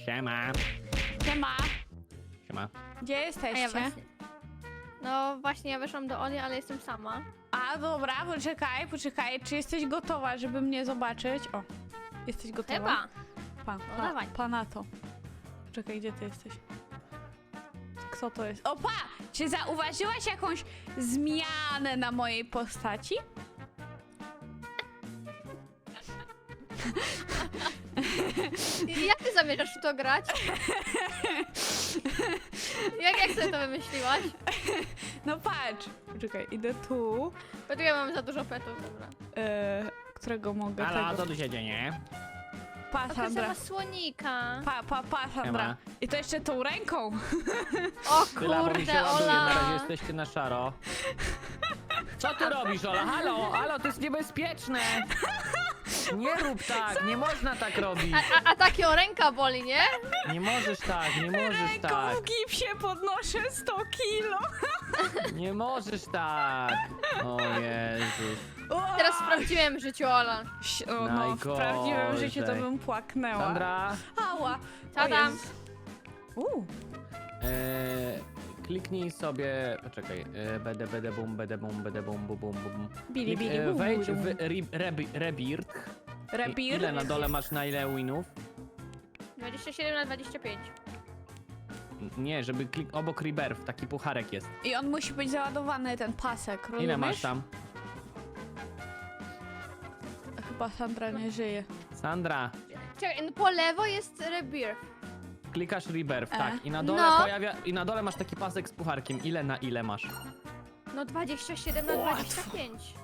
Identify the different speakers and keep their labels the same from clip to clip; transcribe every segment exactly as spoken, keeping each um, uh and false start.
Speaker 1: Siema.
Speaker 2: Siema.
Speaker 1: Siema.
Speaker 2: Gdzie
Speaker 3: A ja
Speaker 2: jesteście?
Speaker 3: właśnie... No właśnie, ja weszłam do Oli, ale jestem sama.
Speaker 2: A dobra, poczekaj, poczekaj. Czy jesteś gotowa, żeby mnie zobaczyć? O, jesteś gotowa?
Speaker 3: Chyba.
Speaker 2: Pa,
Speaker 3: No
Speaker 2: pa,
Speaker 3: dawaj.
Speaker 2: pa na to. Poczekaj, gdzie ty jesteś? Kto to jest? O, pa! Czy zauważyłaś jakąś zmianę na mojej postaci?
Speaker 3: I jak ty zamierzasz w to grać? jak, jak sobie to wymyśliłaś?
Speaker 2: No patrz. Poczekaj, idę tu.
Speaker 3: Poczekaj, mam za dużo petów, dobra.
Speaker 2: E, którego mogę
Speaker 1: Halo,
Speaker 2: tego...
Speaker 1: co tu się dzieje?
Speaker 2: Pa,
Speaker 3: A
Speaker 2: Sandra.
Speaker 3: ma słonika.
Speaker 2: Pa, pa, pa, Sandra.
Speaker 1: Siema.
Speaker 2: I to jeszcze tą ręką.
Speaker 3: O
Speaker 1: Tyla, bo mi się
Speaker 3: kurde,
Speaker 1: ładuje, na razie
Speaker 3: Ola.
Speaker 1: jesteście na szaro. Co ty robisz, Ola? Halo, halo, to jest niebezpieczne. Nie rób tak, nie można tak robić.
Speaker 3: A, a, a takiego ręka boli, nie?
Speaker 1: Nie możesz tak, nie możesz
Speaker 2: Ręką
Speaker 1: tak.
Speaker 2: w gipsie podnoszę sto kilo.
Speaker 1: Nie możesz tak. O Jezus.
Speaker 2: O!
Speaker 3: Teraz w prawdziwym życiu, Ola.
Speaker 2: Ś- O, no, w prawdziwym życiu to
Speaker 1: Najgorzej.
Speaker 2: bym płaknęła.
Speaker 1: Sandra,
Speaker 2: Ała.
Speaker 3: Co
Speaker 2: O
Speaker 3: tam?
Speaker 2: Jezus. U.
Speaker 1: e, kliknij sobie, poczekaj, e, bede, bede, bum, bede, bum, bede, bum, bum, bum, bum.
Speaker 2: Bili,
Speaker 1: Klik-
Speaker 2: bili,
Speaker 1: e,
Speaker 2: bum,
Speaker 1: Wejdź
Speaker 2: bum,
Speaker 1: w
Speaker 2: bum.
Speaker 1: re, rebi, Rebirth.
Speaker 2: Rebirth?
Speaker 1: Ile na dole masz na ile winów?
Speaker 3: dwadzieścia siedem na dwadzieścia pięć.
Speaker 1: Nie, żeby klik obok Rebirth, taki pucharek jest.
Speaker 2: I on musi być załadowany, ten pasek, rozumiesz?
Speaker 1: Ile masz tam?
Speaker 2: Chyba Sandra nie żyje.
Speaker 1: Sandra,
Speaker 3: Czekaj, no po lewo jest Rebirth.
Speaker 1: klikasz Rebirth,
Speaker 2: E.
Speaker 1: tak. I na dole
Speaker 3: No.
Speaker 1: pojawia, i na dole masz taki pasek z pucharkiem. Ile na ile masz?
Speaker 3: No dwadzieścia siedem na dwadzieścia pięć.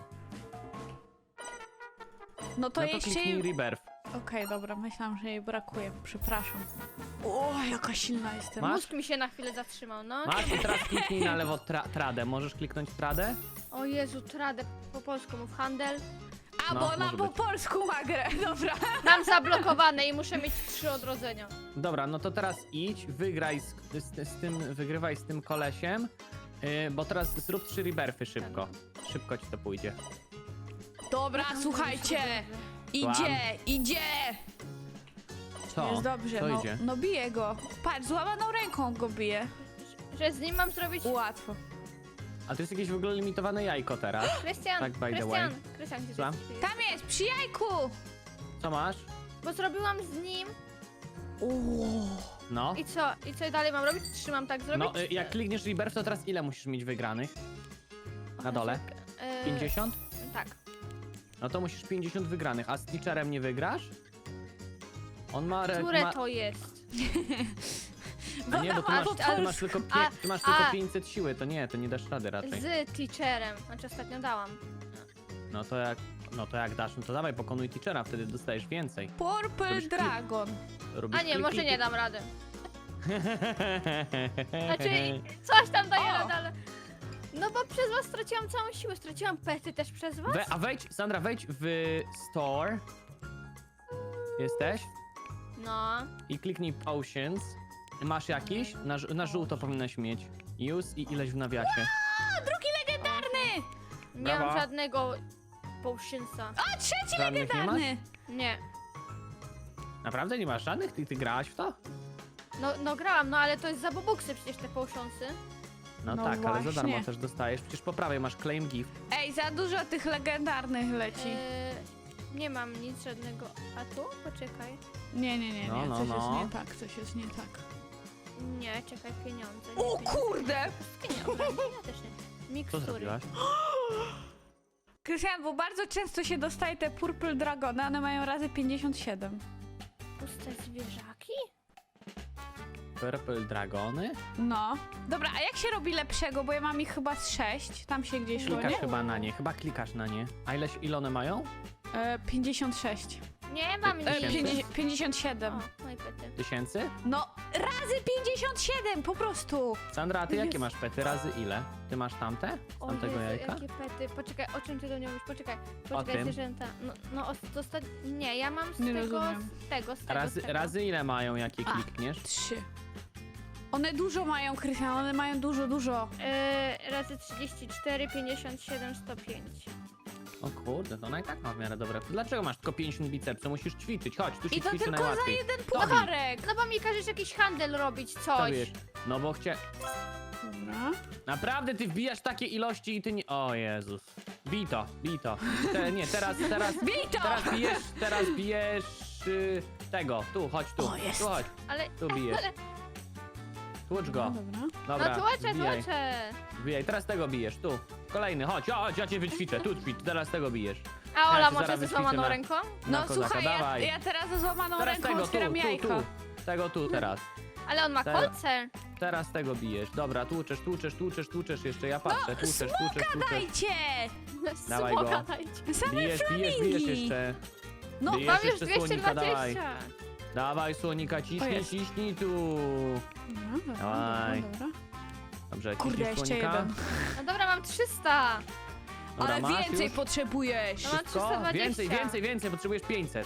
Speaker 2: No to
Speaker 1: no to
Speaker 2: jeśli...
Speaker 1: kliknij Rebirth.
Speaker 2: Okej, dobra, myślałam, że jej brakuje. Przepraszam. O, jaka silna jestem.
Speaker 1: Masz?
Speaker 3: Mózg mi się na chwilę zatrzymał, no.
Speaker 1: Masz i teraz kliknij na lewo tra tradę. Możesz kliknąć tradę?
Speaker 3: O Jezu, tradę po polsku mów handel.
Speaker 2: A,
Speaker 1: No,
Speaker 2: bo ona
Speaker 1: może
Speaker 2: po
Speaker 1: być.
Speaker 2: polsku ma grę, dobra.
Speaker 3: Mam zablokowane i muszę mieć trzy odrodzenia.
Speaker 1: Dobra, no to teraz idź, wygraj z, z, z tym, wygrywaj z tym kolesiem. Yy, bo teraz zrób trzy Rebirthy szybko. Szybko ci to pójdzie.
Speaker 2: Dobra, słuchajcie. Idzie,
Speaker 1: Słucham.
Speaker 2: idzie.
Speaker 1: Co?
Speaker 2: Jest dobrze,
Speaker 1: Co
Speaker 2: no,
Speaker 1: idzie?
Speaker 2: no bije go. Patrz, złamaną ręką go bije.
Speaker 3: Że z nim mam zrobić...
Speaker 2: Łatwo.
Speaker 1: A to jest jakieś w ogóle limitowane jajko teraz.
Speaker 3: Krystian,
Speaker 1: Tak, by the
Speaker 3: Krystian,
Speaker 1: way.
Speaker 3: Krystian, gdzie
Speaker 1: Słucham?
Speaker 3: ty jesteś?
Speaker 2: Tam jest, przy jajku.
Speaker 1: Co masz?
Speaker 3: Bo zrobiłam z nim
Speaker 2: Uuu.
Speaker 1: No.
Speaker 3: i co? I co dalej mam robić? Trzymam tak zrobić?
Speaker 1: No, y, jak klikniesz Rebirth, to teraz ile musisz mieć wygranych? Na dole?
Speaker 3: Yy,
Speaker 1: pięćdziesiąt?
Speaker 3: Tak.
Speaker 1: No to musisz pięćdziesiąt wygranych, a z Teacherem nie wygrasz? On ma... Re,
Speaker 3: Które
Speaker 1: ma...
Speaker 3: to jest?
Speaker 1: A nie, bo ty masz,
Speaker 2: Albo
Speaker 1: ty masz, tylko, pie,
Speaker 3: A-
Speaker 1: ty masz
Speaker 3: a-
Speaker 1: tylko pięćset siły, to nie, to nie dasz rady raczej.
Speaker 3: Z teacherem. Znaczy ostatnio dałam.
Speaker 1: No to jak, no to jak dasz, no to dawaj pokonuj Teachera, wtedy dostajesz więcej.
Speaker 2: Purple
Speaker 1: Robisz klik-
Speaker 2: Dragon.
Speaker 1: Robisz
Speaker 3: A nie,
Speaker 1: klik,
Speaker 3: może
Speaker 1: klik,
Speaker 3: nie
Speaker 1: klik.
Speaker 3: dam rady. Znaczy, coś tam daję
Speaker 2: O.
Speaker 3: radę, ale... No bo przez was straciłam całą siłę. Straciłam pety też przez was?
Speaker 1: We, a wejdź, Sandra, wejdź w store. Jesteś?
Speaker 3: No.
Speaker 1: I kliknij potions. Masz jakiś? Na, ż- na żółto powinnaś mieć. Use i ileś w nawiasie.
Speaker 2: A, drugi legendarny.
Speaker 3: Nie
Speaker 1: Brawa.
Speaker 3: mam żadnego potionsa.
Speaker 2: A, trzeci
Speaker 1: Żadnych nie masz?
Speaker 2: legendarny.
Speaker 3: Nie.
Speaker 1: Naprawdę nie masz żadnych? Ty, ty grałaś w to?
Speaker 3: No, no grałam, no ale to jest za bobuksy przecież te potionsy.
Speaker 1: No,
Speaker 2: No
Speaker 1: tak, ale za
Speaker 2: właśnie.
Speaker 1: darmo też dostajesz. Przecież po prawej masz claim gift.
Speaker 2: Ej, za dużo tych legendarnych leci.
Speaker 3: Yy, nie mam nic żadnego. A tu? Poczekaj.
Speaker 2: Nie, nie, nie, nie.
Speaker 1: No, no,
Speaker 2: coś
Speaker 1: no.
Speaker 2: jest nie tak, coś jest nie tak.
Speaker 3: Nie, czekaj, pieniądze. Nie,
Speaker 2: O
Speaker 3: pieniądze.
Speaker 2: kurde!
Speaker 3: Pieniądze, ja też nie.
Speaker 1: Co
Speaker 3: Mikstury.
Speaker 1: zrobiłaś?
Speaker 2: Krystian, bo bardzo często się dostaje te Purple Dragony, one mają razy pięćdziesiąt siedem.
Speaker 3: Puste zwierzaki?
Speaker 1: Purple Dragony?
Speaker 2: No. Dobra, a jak się robi lepszego, bo ja mam ich chyba z sześć, tam się gdzieś szło,
Speaker 1: Klikasz
Speaker 2: nie?
Speaker 1: chyba na nie, chyba klikasz na nie. A ileś, ile one mają?
Speaker 2: E, pięćdziesiąt sześć.
Speaker 3: Nie mam
Speaker 1: E,
Speaker 2: E,
Speaker 3: nic.
Speaker 1: Tysięcy?
Speaker 2: pięćdziesiąt, pięćdziesiąt siedem.
Speaker 3: O, moje pety.
Speaker 1: Tysięcy?
Speaker 2: No, razy pięćdziesiąt siedem, po prostu.
Speaker 1: Sandra, a ty jakie
Speaker 2: Jest.
Speaker 1: masz pety? Razy ile? Ty masz tamte? Z
Speaker 3: O
Speaker 1: tamtego
Speaker 3: Jezu,
Speaker 1: jajka?
Speaker 3: jakie pety. Poczekaj, o czym ty do mnie mówisz? Poczekaj, poczekaj,
Speaker 1: tym?
Speaker 3: zwierzęta. No, no o, to sta... Nie, ja mam z
Speaker 2: Nie
Speaker 3: tego,
Speaker 2: rozumiem.
Speaker 3: z tego, z tego,
Speaker 1: Razy,
Speaker 3: z tego.
Speaker 1: razy ile mają, jakie
Speaker 2: A.
Speaker 1: klikniesz?
Speaker 2: Trzy. One dużo mają, Krystian, one mają dużo, dużo.
Speaker 3: Yy, razy trzydzieści cztery, pięćdziesiąt siedem, sto pięć.
Speaker 1: O kurde, to ona i tak ma w miarę dobre. Dlaczego masz tylko pięćdziesiąt bicepsów? Musisz ćwiczyć, chodź, tu się
Speaker 2: I to
Speaker 1: ćwiczy
Speaker 2: tylko za
Speaker 1: najłatwiej.
Speaker 2: jeden
Speaker 1: Tobi,
Speaker 2: pucharek.
Speaker 3: No bo mi każesz jakiś handel robić,
Speaker 1: co
Speaker 3: coś.
Speaker 1: wiesz? No bo chcie...
Speaker 2: Dobra.
Speaker 1: Naprawdę ty wbijasz takie ilości i ty nie... O Jezus. Bij to, bij to. Te, nie, teraz, teraz...
Speaker 2: Bij to!
Speaker 1: Teraz bijesz, teraz bijesz... Y, tego, tu, chodź tu.
Speaker 2: O, jest.
Speaker 1: Tu chodź,
Speaker 3: Ale,
Speaker 1: tu bijesz.
Speaker 3: ale...
Speaker 1: Tłucz go.
Speaker 2: Dobra.
Speaker 1: Dobra,
Speaker 3: No tłoczę,
Speaker 1: wbijaj.
Speaker 3: tłoczę.
Speaker 1: Wbijaj, teraz tego bijesz, tu. Kolejny, chodź, chodź, ja cię wyćwiczę, tu ćwicz, teraz tego bijesz.
Speaker 3: A
Speaker 1: Ja
Speaker 3: Ola
Speaker 1: cię
Speaker 3: może
Speaker 1: zaraz
Speaker 3: ze
Speaker 1: wyćwiczę
Speaker 3: złamaną
Speaker 1: na-
Speaker 3: ręką?
Speaker 1: Na
Speaker 2: No
Speaker 1: kozaka,
Speaker 2: słuchaj, ja,
Speaker 1: dawaj.
Speaker 2: ja teraz ze złamaną
Speaker 1: Teraz
Speaker 2: ręką
Speaker 1: tego, tu,
Speaker 2: otwieram
Speaker 1: tu,
Speaker 2: jajko.
Speaker 1: tu. Tego tu teraz.
Speaker 3: Ale on ma
Speaker 1: Teraz.
Speaker 3: kolce.
Speaker 1: Teraz tego bijesz. Dobra, tłuczesz, tłuczesz, tłuczesz, tłuczesz jeszcze, ja patrzę, tłuczesz, tłuczesz, tłuczesz.
Speaker 2: Dajcie!
Speaker 1: Dawaj
Speaker 3: Smoka
Speaker 1: go.
Speaker 3: dajcie.
Speaker 2: Same
Speaker 1: Bijesz, bijesz, bijesz
Speaker 2: flamingi.
Speaker 1: jeszcze.
Speaker 2: No,
Speaker 1: Bijesz
Speaker 3: Mam już
Speaker 1: jeszcze
Speaker 3: dwieście
Speaker 1: słonika, dawaj.
Speaker 3: dwadzieścia.
Speaker 1: Dawaj słonika,
Speaker 2: O,
Speaker 1: ciśnij,
Speaker 2: jest.
Speaker 1: ciśnij tu.
Speaker 2: Dobra, dobra,
Speaker 1: Dawaj.
Speaker 2: dobra, dobra.
Speaker 1: Dobrze,
Speaker 2: Kurde,
Speaker 1: ciśnij
Speaker 2: jeszcze
Speaker 1: słonika.
Speaker 2: jeden.
Speaker 3: No dobra, mam trzysta.
Speaker 1: Dobra,
Speaker 2: Ale
Speaker 1: masz
Speaker 2: więcej
Speaker 1: już?
Speaker 2: potrzebujesz.
Speaker 3: No mam
Speaker 1: Wszystko?
Speaker 3: trzysta dwadzieścia.
Speaker 1: Więcej, więcej, więcej, potrzebujesz pięćset.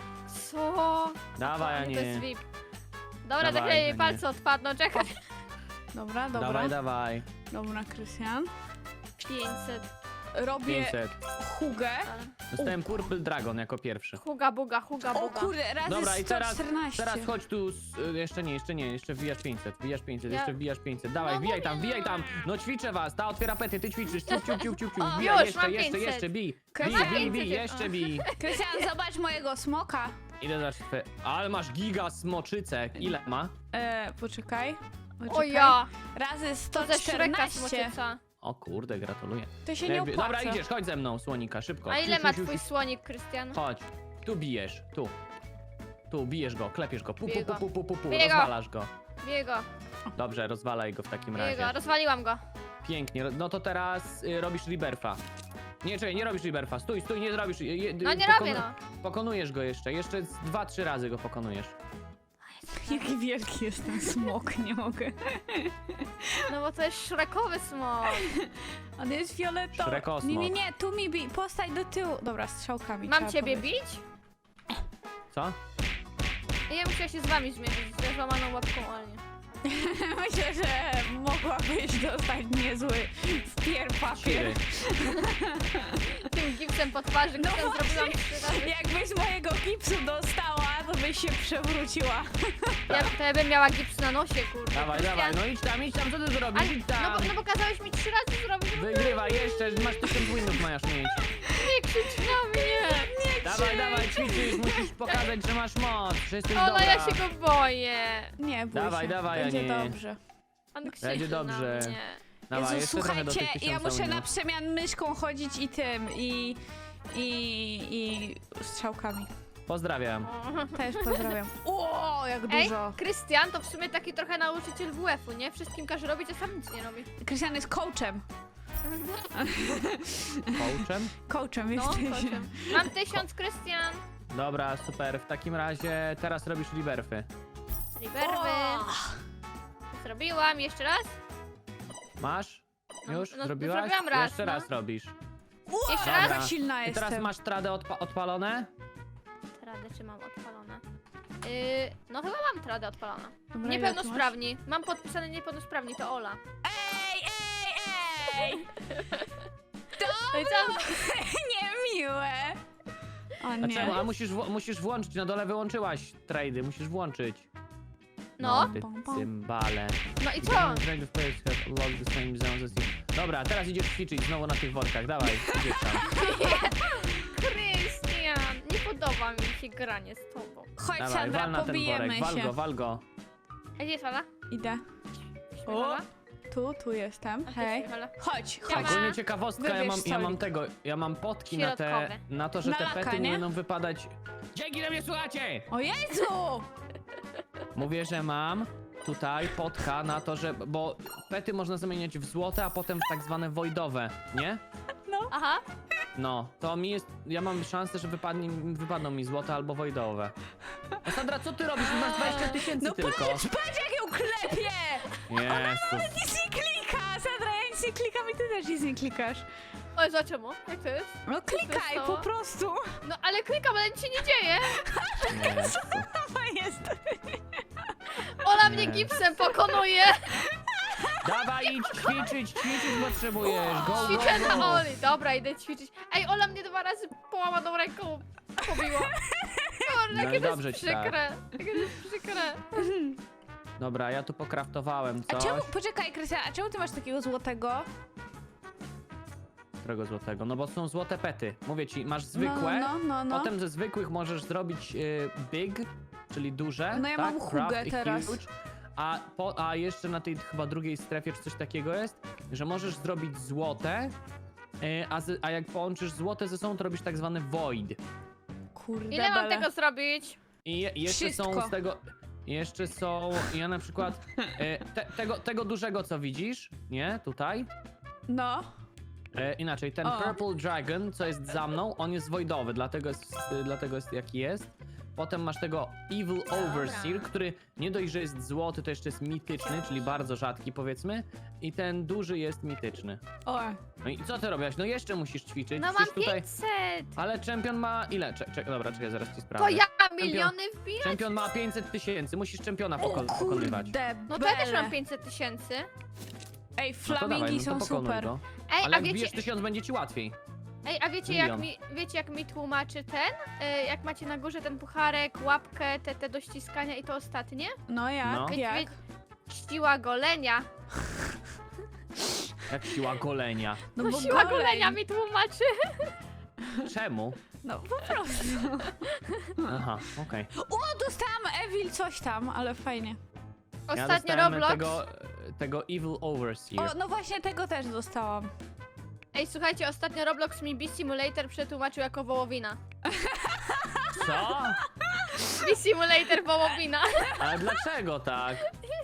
Speaker 3: Co?
Speaker 1: Dawaj, a
Speaker 3: To jest
Speaker 1: nie.
Speaker 3: V I P. Dobra,
Speaker 1: Dawaj,
Speaker 3: tak jej
Speaker 1: a nie.
Speaker 3: palce odpadną, czekaj.
Speaker 2: Dobra, dobra.
Speaker 1: Dawaj, dawaj.
Speaker 2: Dobra, Krystian.
Speaker 3: pięćset.
Speaker 2: Robię
Speaker 1: pięćset.
Speaker 2: hugę.
Speaker 1: Dostałem Purple Dragon jako pierwszy.
Speaker 3: Huga buga, huga
Speaker 2: O
Speaker 3: buga.
Speaker 2: kurde, razy
Speaker 1: Dobra, i teraz,
Speaker 2: sto czternaście.
Speaker 1: teraz chodź tu, z, y, jeszcze nie, jeszcze nie, jeszcze wbijasz pięćset, wbijasz pięćset,
Speaker 3: Ja-
Speaker 1: jeszcze wbijasz pięćset. Dawaj,
Speaker 3: No
Speaker 1: wbijaj
Speaker 3: mówię,
Speaker 1: tam, wbijaj tam. No ćwiczę was, ta otwiera pety, ty ćwiczysz, ciup, ciup, ciup, ciup, ciup.
Speaker 2: O,
Speaker 1: Wbijaj,
Speaker 3: już,
Speaker 1: jeszcze,
Speaker 3: mam
Speaker 1: jeszcze,
Speaker 3: pięćset.
Speaker 1: jeszcze, bij.
Speaker 2: Mam
Speaker 1: Bij, bij,
Speaker 3: pięćset,
Speaker 1: bij,
Speaker 3: o.
Speaker 1: jeszcze bij.
Speaker 2: Krystian, zobacz mojego smoka.
Speaker 1: Ile dasz twoje... Ale masz giga smoczycę. Ile ma?
Speaker 2: E, poczekaj.
Speaker 3: O
Speaker 2: poczekaj.
Speaker 3: ja.
Speaker 2: Razy sto
Speaker 3: To ze Shreka
Speaker 2: czternaście.
Speaker 3: smoczyca.
Speaker 1: O kurde, gratuluję.
Speaker 2: To się nie
Speaker 1: Lepiej-
Speaker 2: opłaca.
Speaker 1: Dobra, idziesz, chodź ze mną, słonika, szybko.
Speaker 3: A ile
Speaker 1: Siu,
Speaker 3: ma
Speaker 1: siu, siu,
Speaker 3: twój
Speaker 1: siu.
Speaker 3: słonik, Krystian?
Speaker 1: Chodź, tu bijesz, tu. Tu, bijesz go, klepiesz go, pu, pu,
Speaker 3: Biję
Speaker 1: pu,
Speaker 3: go.
Speaker 1: pu, pu, pu, pu,
Speaker 3: Biję go.
Speaker 1: rozwalasz go.
Speaker 3: Biję go,
Speaker 1: Dobrze, rozwalaj go w takim
Speaker 3: biję
Speaker 1: razie.
Speaker 3: go, rozwaliłam go.
Speaker 1: Pięknie, no to teraz y, robisz rebirfa. Nie, czekaj, nie robisz rebirfa, stój, stój, nie zrobisz. Je, je,
Speaker 3: No nie
Speaker 1: pokonu-
Speaker 3: robię, no.
Speaker 1: Pokonujesz go jeszcze, jeszcze z dwa, trzy razy go pokonujesz.
Speaker 2: Jaki wielki jest ten smok, nie mogę.
Speaker 3: No bo to jest szrekowy smok.
Speaker 2: On jest fioletowy.
Speaker 1: Shrekosmok.
Speaker 2: Nie, nie, nie, tu mi bij, postań do tyłu. Dobra, strzałkami
Speaker 3: Mam
Speaker 2: trzeba
Speaker 3: ciebie
Speaker 2: powiedzieć.
Speaker 3: bić?
Speaker 1: Co?
Speaker 3: Ja muszę się z wami zmierzyć, ze złamaną łapką Oli.
Speaker 2: Myślę, że mogłabyś dostać niezły wpier papier.
Speaker 1: Siry.
Speaker 3: Tym gipsem po twarzy,
Speaker 2: No
Speaker 3: który
Speaker 2: właśnie.
Speaker 3: zrobiłam trzy razy.
Speaker 2: Jakbyś mojego gipsu dostała, to byś się przewróciła.
Speaker 3: Ja, to ja bym miała gips na nosie, kurde.
Speaker 1: Dawaj,
Speaker 3: Krystian.
Speaker 1: dawaj, no idź tam, idź tam, co ty zrobisz,
Speaker 3: Ale,
Speaker 1: idź
Speaker 3: no,
Speaker 1: tam.
Speaker 3: bo, no bo kazałeś mi trzy razy zrobić,
Speaker 1: Wygrywaj jeszcze, masz tysiąc winów masz mieć.
Speaker 3: nie krzycz na mnie.
Speaker 1: Dawaj, dawaj, ćwiczysz, musisz pokazać, że masz moc, że jesteś
Speaker 3: Ola,
Speaker 1: dobra.
Speaker 3: ja się go boję.
Speaker 2: Nie, bój
Speaker 1: Dawaj,
Speaker 2: się.
Speaker 1: dawaj,
Speaker 2: Będzie
Speaker 1: Anie.
Speaker 2: dobrze.
Speaker 3: On krzyczy
Speaker 1: Będzie dobrze.
Speaker 3: na mnie.
Speaker 1: Dawaj,
Speaker 2: Jezu,
Speaker 1: jeszcze trochę do
Speaker 2: słuchajcie,
Speaker 1: tych
Speaker 2: ja
Speaker 1: tysiąca
Speaker 2: muszę na
Speaker 1: winów.
Speaker 2: przemian myszką chodzić i tym, i... i... i strzałkami.
Speaker 1: Pozdrawiam.
Speaker 2: Też pozdrawiam. O, jak
Speaker 3: Ej,
Speaker 2: dużo.
Speaker 3: Krystian to w sumie taki trochę nauczyciel W F-u, nie? Wszystkim każe robić, a sam nic nie robi.
Speaker 2: Krystian jest coachem.
Speaker 1: Coachem?
Speaker 2: Coachem
Speaker 3: No,
Speaker 2: jesteś.
Speaker 3: koszem. Mam tysiąc, Krystian.
Speaker 1: Dobra, super, w takim razie teraz robisz liberfy.
Speaker 3: Riverwy. Zrobiłam, jeszcze raz?
Speaker 1: Masz?
Speaker 3: No,
Speaker 1: Już?
Speaker 3: no, no,
Speaker 1: Zrobiłaś?
Speaker 3: zrobiłam raz,
Speaker 1: Jeszcze
Speaker 3: no.
Speaker 1: raz robisz.
Speaker 3: Jeszcze
Speaker 1: Dobra.
Speaker 3: raz?
Speaker 2: Jaka silna
Speaker 1: I
Speaker 2: jestem.
Speaker 1: teraz masz tradę odpa odpalone?
Speaker 3: Tradę czy mam odpalone? Yy, no chyba mam tradę odpalone.
Speaker 2: Dobra, ile tu
Speaker 3: Niepełnosprawni. Mam podpisane niepełnosprawni, to Ola.
Speaker 2: Ej, ej, ej!
Speaker 3: No i co?
Speaker 2: Niemiłe. O
Speaker 1: A
Speaker 2: nie.
Speaker 1: czemu? A musisz, wło- musisz włączyć, na dole wyłączyłaś trady, musisz włączyć.
Speaker 3: No.
Speaker 1: Ty
Speaker 2: Pom, pom.
Speaker 1: cymbale.
Speaker 3: No i co?
Speaker 1: Trade'ów players have unlocked the same zones as you. Dobra, teraz idziesz ćwiczyć znowu na tych workach, dawaj, idziesz tam.
Speaker 3: Krystian, nie podoba mi się granie z tobą.
Speaker 2: Chodź,
Speaker 1: Dawaj,
Speaker 2: Sandra,
Speaker 1: wal na ten
Speaker 2: pobijemy
Speaker 1: worek, wal
Speaker 2: się.
Speaker 1: go, wal go.
Speaker 3: A gdzie jest Ola?
Speaker 2: Idę.
Speaker 3: Ola?
Speaker 2: Tu, tu jestem.
Speaker 3: A ty
Speaker 2: Hej.
Speaker 3: jest Ola.
Speaker 2: Chodź,
Speaker 3: Ja
Speaker 2: chodź.
Speaker 3: mam-
Speaker 1: Ogólnie ciekawostka, ja
Speaker 2: Wybierz
Speaker 1: mam, ja mam
Speaker 2: stolik.
Speaker 1: tego, ja mam potki na te,
Speaker 3: Środkowe.
Speaker 1: na to, że
Speaker 2: Na
Speaker 1: te
Speaker 2: laka,
Speaker 1: pety nie
Speaker 2: nie?
Speaker 1: będą wypadać. Dzięki, że mnie słuchacie!
Speaker 2: O Jezu!
Speaker 1: Mówię, że mam tutaj potka na to, że, bo pety można zamieniać w złote, a potem w tak zwane voidowe, nie?
Speaker 3: Aha.
Speaker 1: No, to mi jest, ja mam szansę, że wypadnie, wypadną mi złote albo voidowe. No Sandra, co ty robisz? Masz dwadzieścia tysięcy
Speaker 2: No
Speaker 1: tylko.
Speaker 2: patrz, patrz jak ją klepie!
Speaker 1: Jezus.
Speaker 2: Nic nie klika! Sandra, ja nic nie klikam i ty też nic nie klikasz.
Speaker 3: Oj, za czemu? Jak to jest?
Speaker 2: No klikaj
Speaker 3: stało?
Speaker 2: po prostu.
Speaker 3: No ale klikam, ale nic się nie dzieje.
Speaker 1: Jezu.
Speaker 2: To jest.
Speaker 3: Ola
Speaker 1: Nie.
Speaker 3: mnie gipsem pokonuje.
Speaker 1: Dawaj, idź ćwiczyć, ćwiczyć potrzebujesz. Go, go,
Speaker 3: Ćwiczę
Speaker 1: go.
Speaker 3: na Oli. Dobra, idę ćwiczyć. Ej, Ola mnie dwa razy połamaną ręką pobiła. Kurde,
Speaker 1: No i
Speaker 3: jakie to
Speaker 1: dobrze
Speaker 3: jest
Speaker 1: ci tak.
Speaker 3: przykre. Jakie to jest przykre.
Speaker 1: Dobra, ja tu pokraftowałem
Speaker 2: A
Speaker 1: coś.
Speaker 2: czemu, poczekaj, Krystian, a czemu ty masz takiego złotego?
Speaker 1: Którego złotego? No bo są złote pety. Mówię ci, masz
Speaker 2: No,
Speaker 1: zwykłe,
Speaker 2: no, no, no.
Speaker 1: potem ze zwykłych możesz zrobić y, big, czyli duże.
Speaker 2: No ja
Speaker 1: tak?
Speaker 2: mam hugę
Speaker 1: Craft i
Speaker 2: teraz.
Speaker 1: huge. A, po, a jeszcze na tej chyba drugiej strefie, czy coś takiego jest, że możesz zrobić złote, y, a, z, a jak połączysz złote ze sobą, to robisz tak zwany void.
Speaker 2: Kurde,
Speaker 3: Ile mam
Speaker 2: bele.
Speaker 3: tego zrobić?
Speaker 1: I je, jeszcze
Speaker 2: Wszystko.
Speaker 1: są z tego... Jeszcze są, ja na przykład, y, te, tego, tego dużego co widzisz, nie, tutaj,
Speaker 2: No.
Speaker 1: E, inaczej, ten
Speaker 2: O.
Speaker 1: Purple Dragon, co jest za mną, on jest voidowy, dlatego jest, y, dlatego jest jaki jest. Potem masz tego Evil Overseer, który nie dość, że jest złoty, to jeszcze jest mityczny, czyli bardzo rzadki powiedzmy. I ten duży jest mityczny.
Speaker 2: O.
Speaker 1: No i co ty robisz? No jeszcze musisz ćwiczyć.
Speaker 3: No mam
Speaker 1: Przecież tutaj...
Speaker 3: pięćset.
Speaker 1: Ale czempion ma ile? Cze cze dobra, czekaj, zaraz ci
Speaker 3: To
Speaker 1: sprawdzę.
Speaker 3: ja miliony wbijam?
Speaker 1: Czempion ma pięćset tysięcy, musisz czempiona poko
Speaker 2: O
Speaker 1: pokonywać.
Speaker 2: kurde,
Speaker 3: No to ja też
Speaker 2: bele.
Speaker 3: mam pięćset tysięcy.
Speaker 2: Ej,
Speaker 1: No to
Speaker 2: flamingi
Speaker 1: dawaj, no to
Speaker 2: są
Speaker 1: pokonuj
Speaker 2: super.
Speaker 1: go.
Speaker 3: Ej,
Speaker 1: Ale
Speaker 3: a
Speaker 1: jak
Speaker 3: wiecie,
Speaker 1: bijesz tysiąc, będzie ci łatwiej.
Speaker 3: ej, a wiecie jak
Speaker 1: milion.
Speaker 3: mi, wiecie jak mi tłumaczy ten? Y, jak macie na górze ten pucharek, łapkę, te, te do ściskania i to ostatnie?
Speaker 2: No jak,
Speaker 1: No.
Speaker 3: Wie-
Speaker 2: jak?
Speaker 3: wie- Siła golenia.
Speaker 1: Jak siła golenia.
Speaker 2: No
Speaker 3: No
Speaker 2: bo
Speaker 3: siła
Speaker 2: goleń.
Speaker 3: golenia mi tłumaczy.
Speaker 1: Czemu?
Speaker 2: No po prostu.
Speaker 1: Aha, okej.
Speaker 2: O, dostałam Evil coś tam, ale fajnie.
Speaker 1: Ja
Speaker 3: Ostatnio
Speaker 1: dostałem
Speaker 3: Roblox.
Speaker 1: Tego, tego Evil Overseer.
Speaker 2: O, no właśnie tego też dostałam.
Speaker 3: Ej, słuchajcie, ostatnio Roblox mi Bee Simulator przetłumaczył jako wołowina.
Speaker 1: Co?
Speaker 3: Bee Simulator wołowina.
Speaker 1: Ale dlaczego tak?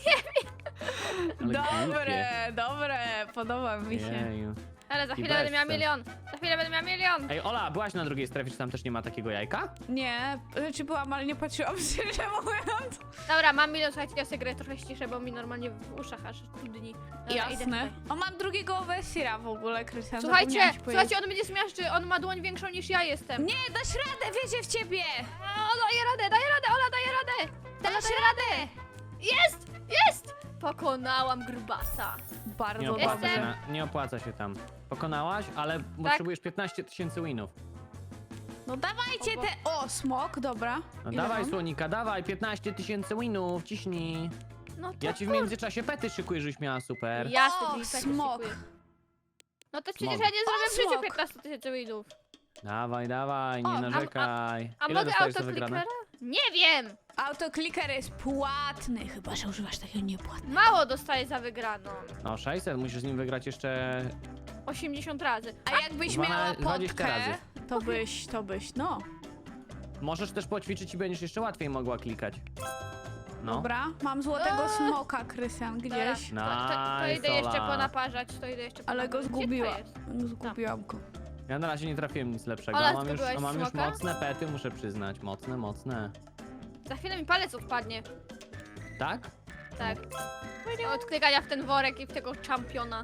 Speaker 1: Ale
Speaker 2: Dobre, dobre, podoba mi się.
Speaker 1: Jeju.
Speaker 3: Ale za
Speaker 1: I
Speaker 3: chwilę będę miała
Speaker 1: bezsens.
Speaker 3: milion. Za chwilę będę miała milion.
Speaker 1: Ej, Ola, byłaś na drugiej strefie, czy tam też nie ma takiego jajka?
Speaker 2: Nie, znaczy byłam, ale nie patrzyłam szczerze mówiąc.
Speaker 3: Dobra, mam milion, słuchajcie, ja sobie grę trochę ściszę, bo mi normalnie w uszach aż dudni. Dobra, idę
Speaker 2: Jasne.
Speaker 3: tutaj.
Speaker 2: O, mam drugiego Overseera w ogóle, Krystian.
Speaker 3: Słuchajcie,
Speaker 2: zapomniałam ci
Speaker 3: słuchajcie,
Speaker 2: powiedzieć.
Speaker 3: on będzie zmiażdży, on ma dłoń większą niż ja jestem.
Speaker 2: Nie, dasz radę, wierzę w ciebie!
Speaker 3: O, daje radę, daje radę, Ola, daje radę. Ola,
Speaker 2: Dasz
Speaker 3: daje radę. Jest, jest. Pokonałam grubasa.
Speaker 2: Bardzo
Speaker 1: Nie opłaca,
Speaker 2: dobrze.
Speaker 1: się, na, nie opłaca się tam. Pokonałaś, ale potrzebujesz piętnaście tysięcy winów.
Speaker 2: No dawajcie
Speaker 3: O, bo-
Speaker 2: te... O, smok, dobra.
Speaker 1: No
Speaker 2: Ile
Speaker 1: dawaj,
Speaker 2: mam?
Speaker 1: Słonika, dawaj, piętnaście tysięcy winów, ciśnij.
Speaker 3: No to
Speaker 1: Ja ci w międzyczasie pety szykuję, żeś miała super.
Speaker 3: Ja
Speaker 2: O,
Speaker 3: sobie tak
Speaker 2: smok.
Speaker 3: szykuję. No to przecież
Speaker 1: Smok.
Speaker 3: ja nie zrobię
Speaker 2: O,
Speaker 3: w życiu
Speaker 2: smok.
Speaker 3: piętnaście tysięcy winów.
Speaker 1: Dawaj, dawaj, nie
Speaker 2: O, a- a-
Speaker 1: narzekaj.
Speaker 3: A
Speaker 1: Ile
Speaker 3: mogę
Speaker 1: dostajesz za wygrane?
Speaker 3: autoklikera? Nie wiem.
Speaker 2: Autokliker jest płatny, chyba że używasz takiego niepłatnego.
Speaker 3: Mało dostaję za wygraną.
Speaker 1: No, sześćset, musisz z nim wygrać jeszcze...
Speaker 3: osiemdziesiąt razy.
Speaker 2: A jakbyś
Speaker 1: Dwana-
Speaker 2: miała
Speaker 1: dwadzieścia
Speaker 2: potkę,
Speaker 1: razy.
Speaker 2: to byś, to byś, no.
Speaker 1: Możesz też poćwiczyć i będziesz jeszcze łatwiej mogła klikać. No.
Speaker 2: Dobra, mam złotego
Speaker 3: Eee.
Speaker 2: smoka, Krystian,
Speaker 3: Dobra,
Speaker 2: gdzieś.
Speaker 3: to, to, to
Speaker 1: Nice,
Speaker 3: idę jeszcze
Speaker 1: Ola.
Speaker 3: ponaparzać, to idę jeszcze
Speaker 2: Ale go
Speaker 3: ponaparzać. Gdzie to
Speaker 2: zgubiła.
Speaker 3: jest?
Speaker 2: Zgubiłam go.
Speaker 1: Ja na razie nie trafiłem nic lepszego.
Speaker 3: Ola,
Speaker 1: mam już,
Speaker 3: zgubiłaś
Speaker 1: mam już
Speaker 3: smoka?
Speaker 1: mocne pety, muszę przyznać. Mocne, mocne.
Speaker 3: Za chwilę mi palec odpadnie.
Speaker 1: Tak?
Speaker 3: Tak. Od klikania w ten worek i w tego czampiona.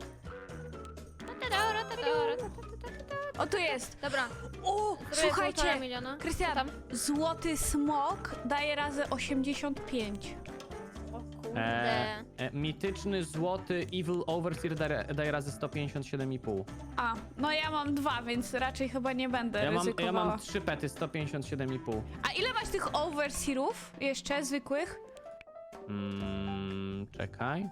Speaker 2: O, tu jest.
Speaker 3: Dobra,
Speaker 2: O,
Speaker 3: zrobię
Speaker 2: słuchajcie,
Speaker 3: półtora miliona.
Speaker 2: Krystian,
Speaker 3: Co tam?
Speaker 2: złoty smok daje razy osiemdziesiąt pięć.
Speaker 3: O kurde.
Speaker 1: E, e, mityczny, złoty, Evil Overseer daje, daje razy sto pięćdziesiąt siedem i pół.
Speaker 2: A, no ja mam dwa, więc raczej chyba nie będę
Speaker 1: Ja mam, ja
Speaker 2: ryzykowała.
Speaker 1: mam trzy pety, sto pięćdziesiąt siedem i pół.
Speaker 2: A ile masz tych overseerów jeszcze, zwykłych?
Speaker 1: Mm, czekaj.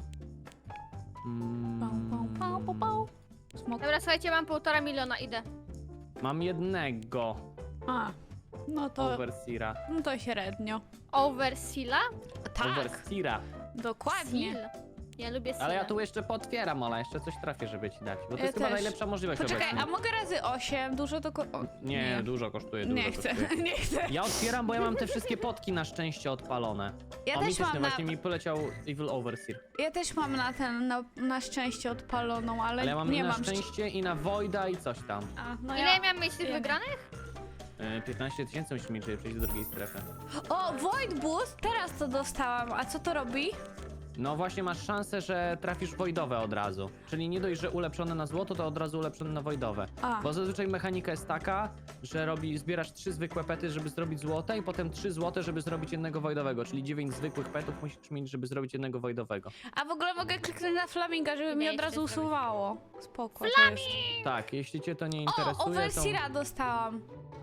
Speaker 1: Mm,
Speaker 2: Pau, pau, pau, pau, pau. Smok.
Speaker 3: Dobra, słuchajcie, mam półtora miliona, idę.
Speaker 1: Mam jednego
Speaker 2: A, no to,
Speaker 1: Overseera.
Speaker 2: no to średnio.
Speaker 3: Overseala?
Speaker 2: Tak,
Speaker 1: Overseera.
Speaker 2: dokładnie.
Speaker 3: Seal. Ja lubię seal.
Speaker 1: Ale ja tu jeszcze potwieram, Ola, jeszcze coś trafię, żeby ci dać. Bo to
Speaker 2: Ja
Speaker 1: jest chyba
Speaker 2: też.
Speaker 1: najlepsza możliwość
Speaker 2: Poczekaj,
Speaker 1: obecnie.
Speaker 2: a mogę razy osiem? Dużo to... ko- o,
Speaker 1: Nie, dużo kosztuje, dużo
Speaker 2: Nie chcę,
Speaker 1: kosztuje.
Speaker 2: nie chcę.
Speaker 1: Ja otwieram, bo ja mam te wszystkie potki na szczęście odpalone.
Speaker 2: Ja
Speaker 1: o,
Speaker 2: też
Speaker 1: mityczny,
Speaker 2: mam na,
Speaker 1: właśnie mi poleciał Evil Overseer.
Speaker 2: ja też mam na ten, na, na szczęście odpaloną, ale,
Speaker 1: Ale ja mam
Speaker 2: nie
Speaker 1: i na
Speaker 2: mam... szcz-
Speaker 1: szczęście i na Voida i coś tam.
Speaker 2: A, no
Speaker 3: Ile
Speaker 2: ja...
Speaker 3: ja miałam mieć tych
Speaker 2: wiem.
Speaker 3: wygranych?
Speaker 1: Yy, piętnaście tysięcy musimy mieć, żeby przejść do drugiej strefy.
Speaker 2: O, Void Boost, teraz to dostałam. A co to robi?
Speaker 1: No właśnie masz szansę, że trafisz voidowe od razu. Czyli nie dość, że ulepszone na złoto, to od razu ulepszone na voidowe.
Speaker 2: A.
Speaker 1: Bo zazwyczaj mechanika jest taka, że robi, zbierasz trzy zwykłe pety, żeby zrobić złote i potem trzy złote, żeby zrobić jednego wojdowego, czyli dziewięć zwykłych petów musisz mieć, żeby zrobić jednego wojdowego.
Speaker 2: A w ogóle mogę kliknąć na flaminga, żeby mi
Speaker 3: Nie,
Speaker 2: od razu
Speaker 3: jeszcze zrobić.
Speaker 2: usuwało. Spoko, to jest.
Speaker 1: Tak, jeśli cię to nie
Speaker 2: O,
Speaker 1: interesuje, to,
Speaker 2: Overseera dostałam.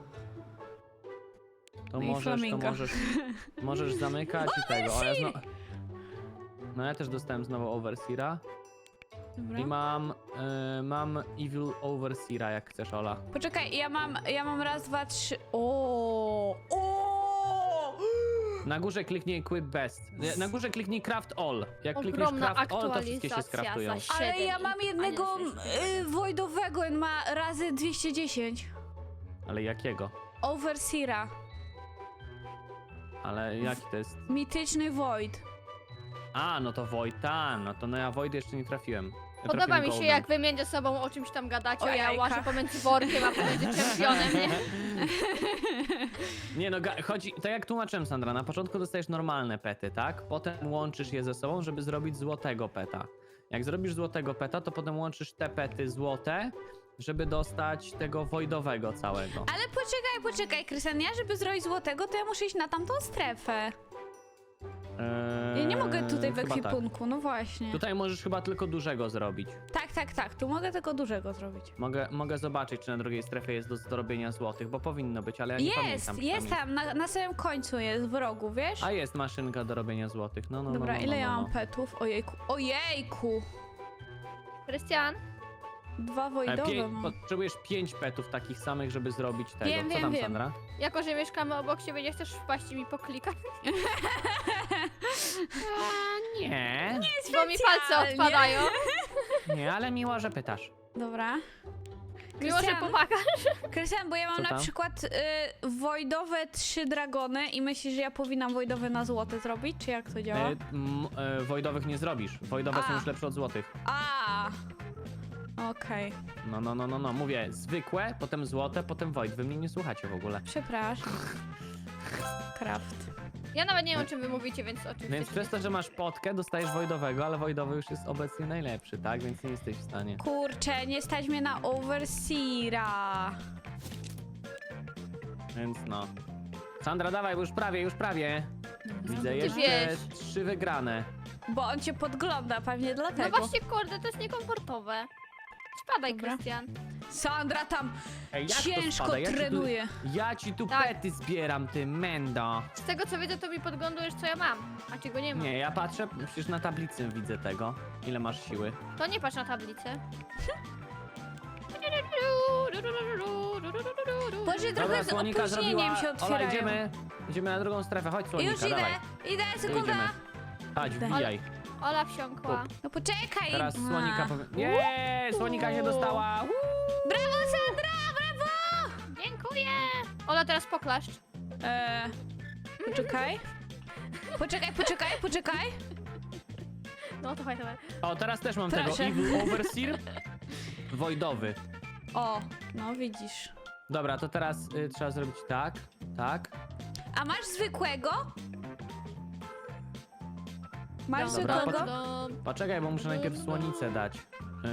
Speaker 1: to
Speaker 2: No i
Speaker 1: możesz, to
Speaker 2: flaminga.
Speaker 1: możesz, możesz zamykać i tego. O, ja zno... No ja też dostałem znowu Overseera
Speaker 2: Dobra.
Speaker 1: i mam, y, mam Evil Overseera, jak chcesz, Ola.
Speaker 2: Poczekaj, ja mam, ja mam raz, dwa, trzy. O, o!
Speaker 1: Na górze kliknij Equip Best. Na górze kliknij Craft All. Jak klikniesz
Speaker 3: Ogromna
Speaker 1: Craft All, to wszystkie się
Speaker 3: aktualizacja
Speaker 1: skraftują.
Speaker 3: za
Speaker 2: Ale
Speaker 3: siedem
Speaker 2: ja mam
Speaker 3: i-
Speaker 2: jednego
Speaker 3: a nie, sześć.
Speaker 2: y, voidowego, on ma razy dwieście dziesięć.
Speaker 1: Ale jakiego?
Speaker 2: Overseera.
Speaker 1: Ale jaki to jest?
Speaker 2: Mityczny void.
Speaker 1: A, no to Void, ta, no to no ja Void jeszcze nie trafiłem. Ja
Speaker 3: Podoba
Speaker 1: trafiłem
Speaker 3: mi się,
Speaker 1: Golden.
Speaker 3: jak wy między sobą o czymś tam gadacie,
Speaker 2: O
Speaker 3: a ja
Speaker 2: jajka.
Speaker 3: łażę pomiędzy workiem, a pomiędzy czempionem, nie?
Speaker 1: Nie no, ga- chodzi, tak jak tłumaczyłem, Sandra, na początku dostajesz normalne pety, tak? Potem łączysz je ze sobą, żeby zrobić złotego peta. Jak zrobisz złotego peta, to potem łączysz te pety złote, żeby dostać tego voidowego całego.
Speaker 2: Ale poczekaj, poczekaj, Krystian, ja żeby zrobić złotego, to ja muszę iść na tamtą strefę.
Speaker 1: Eee,
Speaker 2: Ja nie mogę tutaj w
Speaker 1: chyba tak.
Speaker 2: ekwipunku, no właśnie.
Speaker 1: Tutaj możesz chyba tylko dużego zrobić.
Speaker 2: Tak, tak, tak, tu mogę tego dużego zrobić.
Speaker 1: Mogę, mogę zobaczyć, czy na drugiej strefie jest do zrobienia złotych, bo powinno być, ale ja nie
Speaker 2: Jest,
Speaker 1: pamiętam.
Speaker 2: jest
Speaker 1: przynajmniej.
Speaker 2: tam, na, na samym końcu jest, w rogu, wiesz?
Speaker 1: A jest maszynka do robienia złotych, no no
Speaker 2: Dobra,
Speaker 1: no, no,
Speaker 2: ile
Speaker 1: no,
Speaker 2: ja
Speaker 1: no.
Speaker 2: mam petów? Ojejku, ojejku!
Speaker 3: Krystian,
Speaker 2: Dwa
Speaker 1: E,
Speaker 2: voidowe
Speaker 1: pię-
Speaker 2: mam.
Speaker 1: potrzebujesz pięć petów takich samych, żeby zrobić tego.
Speaker 2: Wiem,
Speaker 1: Co
Speaker 2: wiem,
Speaker 1: tam,
Speaker 2: wiem.
Speaker 1: Sandra?
Speaker 3: jako że mieszkamy obok siebie, nie chcesz wpaść i mi poklikać?
Speaker 1: Nie,
Speaker 3: Bo mi palce
Speaker 2: Specjalnie.
Speaker 3: odpadają.
Speaker 1: nie, ale miło, że pytasz.
Speaker 2: Dobra.
Speaker 3: Miło, że
Speaker 2: Krystian,
Speaker 3: pomagasz.
Speaker 2: Krystian, bo ja mam
Speaker 1: Co
Speaker 2: na
Speaker 1: tam?
Speaker 2: przykład y, voidowe trzy dragony i myślisz, że ja powinnam voidowe na złote zrobić, czy jak to działa?
Speaker 1: E, m, e, wojdowych nie zrobisz. Wojdowe są
Speaker 2: A.
Speaker 1: już lepsze od złotych.
Speaker 2: A. Okej,
Speaker 1: No, no, no, no, no. Mówię, zwykłe, potem złote, potem void. Wy mnie nie słuchacie w ogóle.
Speaker 2: przepraszam. Craft.
Speaker 3: Ja nawet nie wiem, o czym wy mówicie, więc o czym
Speaker 1: Więc
Speaker 3: chcecie.
Speaker 1: przez to, że masz potkę, dostajesz wojdowego, ale wojdowy już jest obecnie najlepszy, tak? Więc nie jesteś w stanie.
Speaker 2: Kurczę, nie stać mnie na Overseera.
Speaker 1: Więc no. Sandra, dawaj, bo już prawie, już prawie. Widzę
Speaker 3: ty
Speaker 1: jeszcze
Speaker 3: wiesz.
Speaker 1: trzy wygrane.
Speaker 2: Bo on cię podgląda, pewnie
Speaker 3: No
Speaker 2: dlatego.
Speaker 3: właśnie, kurde, to jest niekomfortowe. Spadaj,
Speaker 2: Dobra.
Speaker 3: Krystian.
Speaker 2: Sandra tam
Speaker 1: Ej, jak to
Speaker 2: ciężko
Speaker 1: spada? Ja ci tu-
Speaker 2: trenuje.
Speaker 1: Ja ci tu
Speaker 3: Tak.
Speaker 1: pety zbieram, ty mendo.
Speaker 3: Z tego co widzę, to mi podglądujesz, co ja mam, a czego nie mam.
Speaker 1: Nie, ja patrzę, przecież na tablicy widzę tego. Ile masz siły.
Speaker 3: To nie patrz na tablicę.
Speaker 2: Boże,
Speaker 1: Dobra,
Speaker 2: trochę z
Speaker 1: słonika
Speaker 2: opóźnieniem
Speaker 1: zrobiła.
Speaker 2: się
Speaker 1: Ola,
Speaker 2: otwierają.
Speaker 1: idziemy. Idziemy na drugą strefę, chodź słonika,
Speaker 2: Już idę,
Speaker 1: dawaj.
Speaker 2: idę,
Speaker 1: Tu
Speaker 2: sekunda.
Speaker 1: idziemy. Chodź,
Speaker 2: Idę.
Speaker 1: wbijaj.
Speaker 3: Ola wsiąkła.
Speaker 2: No poczekaj.
Speaker 1: Teraz
Speaker 2: A.
Speaker 1: słonika powie... Nie, słonika się dostała. Uuu.
Speaker 2: Brawo, Sandra, brawo!
Speaker 3: Dziękuję! Ola, teraz poklaszcz.
Speaker 2: Eee, poczekaj. Poczekaj, poczekaj, poczekaj.
Speaker 3: No to chodź, dawaj.
Speaker 1: O, teraz też mam
Speaker 2: Proszę.
Speaker 1: tego Evil Overseer. Wojdowy.
Speaker 2: O, no widzisz.
Speaker 1: Dobra, to teraz y, trzeba zrobić tak, tak.
Speaker 2: A masz zwykłego? Masz
Speaker 1: Dobra,
Speaker 2: zwykłego?
Speaker 3: Dom.
Speaker 1: Poczekaj, bo muszę najpierw słonicę dać. Yy,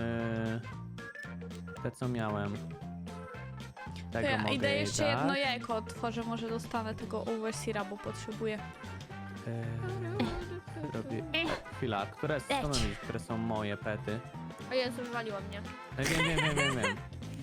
Speaker 1: te co miałem.
Speaker 2: To
Speaker 1: Tego
Speaker 2: ja
Speaker 1: mogę
Speaker 2: idę
Speaker 1: jej
Speaker 2: jeszcze
Speaker 1: dać.
Speaker 2: jedno jajko otworzę, może dostanę tego Overseera, bo potrzebuję.
Speaker 1: Yy, robię... Chwila, które, co mam wiedzieć, które są moje pety?
Speaker 3: O Jezu, wywaliło mnie.
Speaker 1: Yy, Wiem, wiem, wiem, wiem, wiem.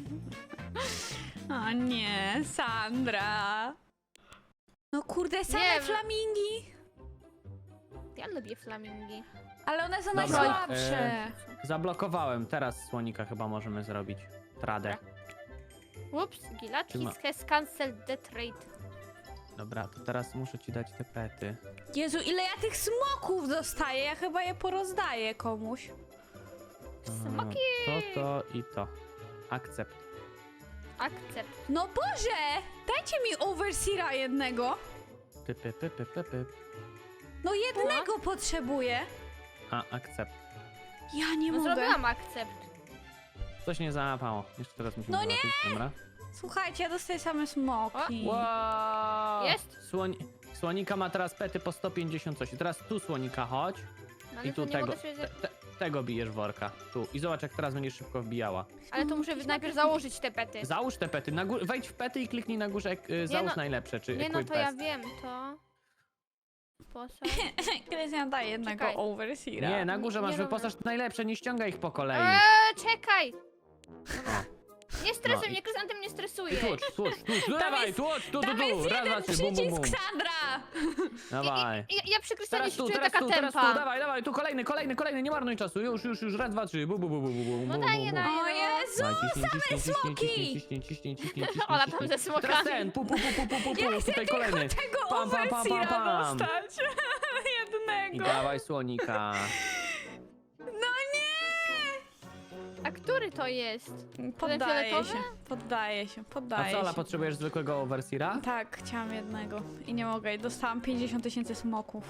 Speaker 2: O nie, Sandra. No kurde, same
Speaker 3: Nie,
Speaker 2: flamingi.
Speaker 3: Ja lubię flamingi.
Speaker 2: Ale one są
Speaker 1: Dobra,
Speaker 2: najsłabsze.
Speaker 1: e, Zablokowałem, teraz słonika chyba możemy zrobić. Tradę.
Speaker 3: Ups, Gila,
Speaker 1: Czy ma-
Speaker 3: Kiss has cancelled the trade.
Speaker 1: Dobra, to teraz muszę ci dać te pety.
Speaker 2: Jezu, ile ja tych smoków dostaję? Ja chyba je porozdaję komuś.
Speaker 3: Smoki!
Speaker 1: To, to i to. Akcept.
Speaker 3: Akcept.
Speaker 2: No Boże! Dajcie mi Overseera jednego.
Speaker 1: Py, py, py, py, py, py.
Speaker 2: No jednego potrzebuję.
Speaker 1: A, akcept.
Speaker 2: Ja nie
Speaker 3: No
Speaker 2: mogę.
Speaker 3: zrobiłam akcept.
Speaker 1: Coś nie załapało. Jeszcze teraz musimy
Speaker 2: No nie!
Speaker 1: zobaczyć, dobra?
Speaker 2: Słuchajcie, ja dostaję same smoki.
Speaker 1: Wow!
Speaker 3: Jest?
Speaker 1: Słoń... Słonika ma teraz pety po sto pięćdziesiąt coś. I teraz tu słonika chodź.
Speaker 3: No ale
Speaker 1: I tu
Speaker 3: to nie
Speaker 1: tego.
Speaker 3: mogę sobie...
Speaker 1: Te, te, tego bijesz worka. Tu. I zobacz, jak teraz będziesz szybko wbijała.
Speaker 3: Ale to muszę najpierw założyć te pety.
Speaker 1: Załóż te pety. Na gó- wejdź w pety i kliknij na górze, y, załóż
Speaker 3: no-
Speaker 1: najlepsze, czy
Speaker 3: Nie no,
Speaker 1: equip
Speaker 3: to ja
Speaker 1: best.
Speaker 3: wiem, to... Posad.
Speaker 2: Krystian daje jednego
Speaker 3: Czekaj.
Speaker 2: overseera.
Speaker 1: Nie, na górze
Speaker 3: Nie
Speaker 1: masz
Speaker 3: robię.
Speaker 1: wyposaż najlepsze, nie ściągaj ich po kolei.
Speaker 3: Eee, czekaj! Dobra. Nie stresuj
Speaker 1: No i-
Speaker 3: mnie, Krysantem nie
Speaker 1: I
Speaker 3: stresuje.
Speaker 1: tłucz, tłucz, tłucz. No
Speaker 2: Tam
Speaker 1: dawaj,
Speaker 2: jest-
Speaker 1: tłucz, tu, tu,
Speaker 2: Tam
Speaker 1: tu.
Speaker 2: jest
Speaker 1: Raz, dwa,
Speaker 2: jeden
Speaker 1: trzy, bum, bum, bum.
Speaker 2: przycisk, Sandra!
Speaker 1: Dawaj.
Speaker 3: Ja, ja przy Krystianie
Speaker 1: Teraz
Speaker 3: się
Speaker 1: tu,
Speaker 3: czuję
Speaker 1: teraz
Speaker 3: taka
Speaker 1: tu, teraz tu,
Speaker 3: tempa.
Speaker 1: dawaj, dawaj, tu kolejny, kolejny, kolejny, nie marnuj czasu, już, już, już, raz, dwa, trzy, bu, bu, bu, bu, bu, bu,
Speaker 3: No
Speaker 1: bu,
Speaker 3: daję,
Speaker 1: bu, bu.
Speaker 3: daję.
Speaker 2: O Jezu!
Speaker 1: Dawaj, ciśnij, ciśnij, ciśnij,
Speaker 2: smoki!
Speaker 1: ciśnij, ciśnij, ciśnij, ciśnij, ciśnij,
Speaker 3: Ola tam
Speaker 1: ciśnij.
Speaker 3: ze smokami.
Speaker 1: Teraz ten, pu, pu, pu, pu, pu, pu, pu,
Speaker 2: Ja chcę
Speaker 1: tutaj
Speaker 2: tylko
Speaker 1: kolejny.
Speaker 2: tego
Speaker 1: Pam, pam, pam,
Speaker 2: overseera
Speaker 1: pam, pam.
Speaker 2: dostać.
Speaker 1: I
Speaker 2: Jednego.
Speaker 1: dawaj słonika.
Speaker 2: No nie!
Speaker 3: A który to jest?
Speaker 2: Poddaję
Speaker 3: fioletowy?
Speaker 2: się, poddaję się,
Speaker 1: A
Speaker 2: poddaję
Speaker 1: co, Ola,
Speaker 2: się.
Speaker 1: potrzebujesz zwykłego overseera?
Speaker 2: Tak, chciałam jednego i nie mogę. I dostałam pięćdziesiąt tysięcy smoków.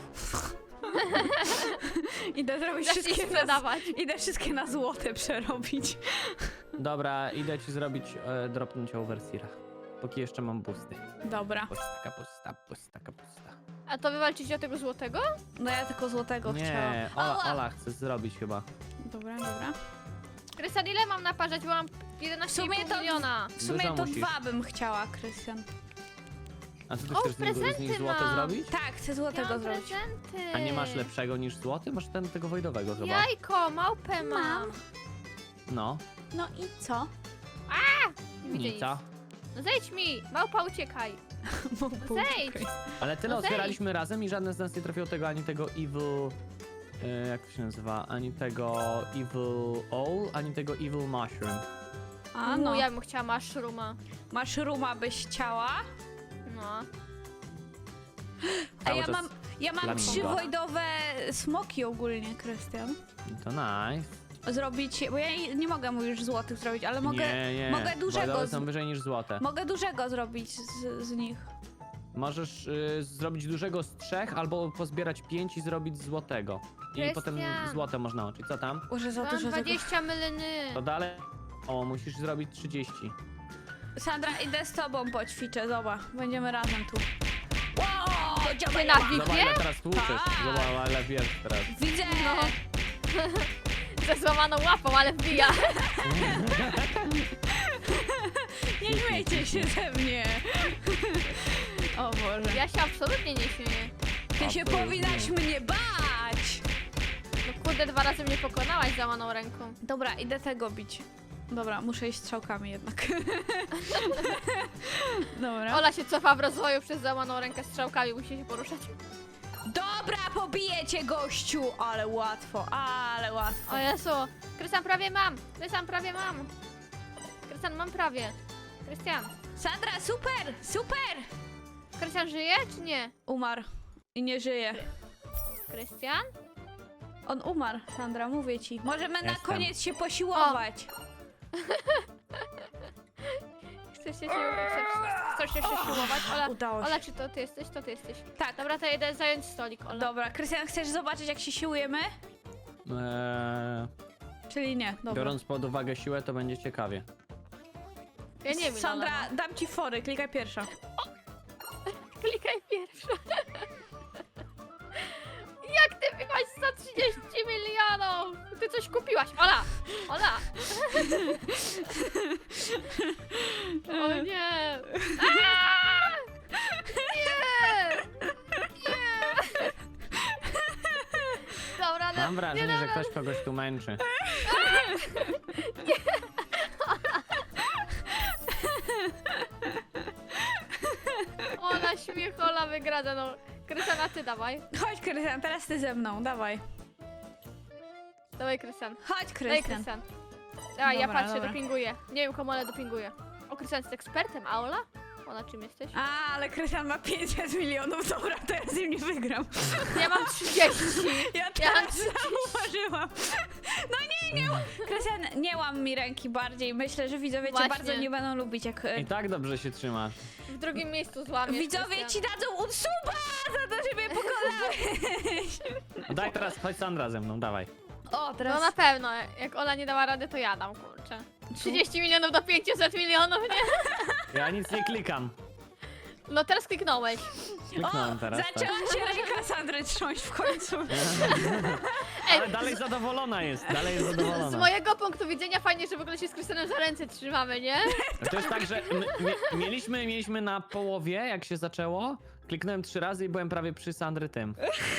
Speaker 2: Idę zrobić
Speaker 3: Zacznij
Speaker 2: wszystkie na,
Speaker 3: sprzedawać.
Speaker 2: idę wszystkie na złote przerobić.
Speaker 1: Dobra, idę ci zrobić, e, dropnąć overseera. Póki jeszcze mam boosty.
Speaker 2: Dobra.
Speaker 1: Pusta, pusta, pusta, pusta.
Speaker 3: A to wy walczycie o tego złotego?
Speaker 2: No ja tylko złotego
Speaker 1: Nie,
Speaker 2: chciałam.
Speaker 1: Ola,
Speaker 2: Ała!
Speaker 1: Ola chce zrobić chyba.
Speaker 2: Dobra, dobra.
Speaker 3: Krystian, ile mam naparzać, bo mam jedenaście
Speaker 2: W sumie
Speaker 3: i pół
Speaker 2: to-
Speaker 3: miliona.
Speaker 2: W sumie
Speaker 1: Dużo
Speaker 2: to
Speaker 1: musisz.
Speaker 2: dwa bym chciała, Krystian.
Speaker 1: A co ty
Speaker 3: O,
Speaker 1: chcesz z nich, z nich
Speaker 3: prezenty
Speaker 1: złote
Speaker 3: mam.
Speaker 1: zrobić?
Speaker 2: Tak, chcę
Speaker 3: Ja
Speaker 2: złotego
Speaker 3: mam
Speaker 2: zrobić.
Speaker 3: prezenty.
Speaker 1: A nie masz lepszego niż złoty? Masz ten tego wojdowego chyba.
Speaker 3: Jajko, małpę mam.
Speaker 2: Mam.
Speaker 1: No,
Speaker 2: No i co?
Speaker 3: Nie widzę nic.
Speaker 1: nica.
Speaker 3: No zejdź mi, małpa uciekaj. Zejdź.
Speaker 1: Ale tyle
Speaker 3: No zejdź.
Speaker 1: otwieraliśmy razem i żadne z nas nie trafiło tego, ani tego evil... E, jak to się nazywa? Ani tego evil all, ani tego evil mushroom.
Speaker 2: A
Speaker 3: No.
Speaker 2: no,
Speaker 3: Ja bym chciała mushroma.
Speaker 2: masz ruma byś chciała?
Speaker 3: No.
Speaker 2: A
Speaker 1: Cały
Speaker 2: ja
Speaker 1: czas
Speaker 2: mam, ja mam
Speaker 1: flamingo.
Speaker 2: trzy wojdowe smoki ogólnie, Krystian.
Speaker 1: To nice.
Speaker 2: Zrobić, bo ja nie mogę mu już złotych zrobić, ale mogę,
Speaker 1: nie, nie.
Speaker 2: mogę dużego
Speaker 1: Wojdowe
Speaker 2: z-
Speaker 1: są wyżej niż złote.
Speaker 2: mogę dużego zrobić z, z nich.
Speaker 1: Możesz y, zrobić dużego z trzech, albo pozbierać pięć i zrobić złotego. I
Speaker 3: Krystian.
Speaker 1: potem złote można łączyć. Co tam?
Speaker 2: Może za
Speaker 3: Mam
Speaker 2: dużo tego.
Speaker 3: dwadzieścia mylny.
Speaker 1: To dalej. O, musisz zrobić trzydzieści.
Speaker 2: Sandra, idę z tobą poćwiczę, zobacz. Będziemy razem tu. Wow,
Speaker 3: Ty na
Speaker 1: Zobacz,
Speaker 3: wipie?
Speaker 1: ile teraz tłuczesz.
Speaker 2: Tak.
Speaker 1: Zobacz, ale wiesz teraz.
Speaker 2: Widzę!
Speaker 3: No. Ze złamaną łapą, ale wbija.
Speaker 2: Nie śmiejcie się ze mnie! O Boże.
Speaker 3: Ja się absolutnie nie śmieję.
Speaker 2: Ty się
Speaker 1: Absolutnie.
Speaker 2: powinnaś mnie bać!
Speaker 3: No kurde, dwa razy mnie pokonałaś złamaną ręką.
Speaker 2: Dobra, idę tego bić. Dobra, muszę iść strzałkami jednak. Dobra.
Speaker 3: Ola się cofa w rozwoju przez złamaną rękę strzałkami, musi się poruszać.
Speaker 2: Dobra, pobiję cię, gościu! Ale łatwo, ale łatwo.
Speaker 3: O Jezu, Krystian, prawie mam. Krystian, prawie mam. Krystian, mam prawie. Krystian,
Speaker 2: Sandra, super, super!
Speaker 3: Krystian żyje czy nie?
Speaker 2: Umarł i nie żyje.
Speaker 3: Krystian?
Speaker 2: On umarł, Sandra, mówię ci. Możemy na
Speaker 1: Jestem.
Speaker 2: koniec się posiłować.
Speaker 3: Chcesz się, chcesz, chcesz się siłować? Ola,
Speaker 2: Udało się.
Speaker 3: Ola, czy to ty jesteś? To ty jesteś.
Speaker 2: Tak,
Speaker 3: Dobra, to jedę zająć stolik, Ola.
Speaker 2: dobra. Krystian, chcesz zobaczyć, jak się siłujemy?
Speaker 1: Eee,
Speaker 2: Czyli nie, dobra.
Speaker 1: biorąc pod uwagę siłę, to będzie ciekawie.
Speaker 3: Ja nie wiem,
Speaker 2: Sandra,
Speaker 3: Ola.
Speaker 2: dam ci fory, klikaj pierwsza.
Speaker 3: Klikaj pierwsza. Jak ty miałaś sto trzydzieści milionów? Ty coś kupiłaś, Ola! Ola! O nie! Aaaa! Nie! Nie! Dobra, no,
Speaker 1: Mam
Speaker 3: nie,
Speaker 1: wrażenie,
Speaker 3: no,
Speaker 1: że
Speaker 3: no.
Speaker 1: ktoś kogoś tu męczy.
Speaker 3: Ola, śmiech, Ola wygrada, no. Krystiana, ty dawaj.
Speaker 2: Chodź, Krystian, teraz ty ze mną, dawaj.
Speaker 3: Dawaj, Krystian.
Speaker 2: Chodź,
Speaker 3: Daj,
Speaker 2: Krystian.
Speaker 3: Krystian. Dawaj, ja
Speaker 2: Dobra,
Speaker 3: patrzę,
Speaker 2: dobra.
Speaker 3: dopinguję. Nie wiem, komu, ale dopinguję. O, Krystian jest ekspertem, a Ola? Ola, czym jesteś?
Speaker 2: A, ale Krystian ma pięćset milionów, dobra, to ja z nim nie wygram.
Speaker 3: Ja mam trzydzieści.
Speaker 2: Ja
Speaker 3: Ja
Speaker 2: teraz
Speaker 3: mam
Speaker 2: zauważyłam. No nie, nie. Krystian, nie łam mi ręki bardziej. Myślę, że widzowie cię
Speaker 3: Właśnie.
Speaker 2: bardzo nie będą lubić, jak... e,
Speaker 1: I tak dobrze się trzymasz.
Speaker 3: W drugim miejscu złamiesz.
Speaker 2: Widzowie
Speaker 3: Krystian.
Speaker 2: ci dadzą unsuba za to, że mnie pokonałeś.
Speaker 1: Daj teraz, chodź Sandra ze mną, dawaj.
Speaker 2: O,
Speaker 3: No
Speaker 2: teraz...
Speaker 3: na pewno, jak Ola nie dała rady, to ja dam, kurczę. trzydzieści milionów do pięćset milionów, nie?
Speaker 1: Ja nic nie klikam.
Speaker 3: No teraz kliknąłeś.
Speaker 1: Kliknąłem
Speaker 2: o,
Speaker 1: teraz. Tak.
Speaker 2: zaczęła się ręka Sandry Sandry trząść w końcu.
Speaker 1: Ale dalej zadowolona jest, dalej jest
Speaker 3: Z
Speaker 1: zadowolona.
Speaker 3: mojego punktu widzenia fajnie, że w ogóle się z Krystianem za ręce trzymamy, nie?
Speaker 1: To jest tak, że m- mie- mieliśmy, mieliśmy na połowie, jak się zaczęło, kliknąłem trzy razy i byłem prawie przy Sandry tym.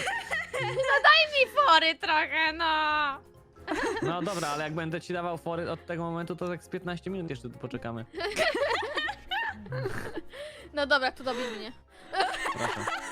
Speaker 3: I fory trochę, no.
Speaker 1: No dobra, ale jak będę ci dawał fory od tego momentu, to tak z piętnaście minut jeszcze tu poczekamy.
Speaker 3: No dobra, tu dobij mnie.
Speaker 1: Proszę.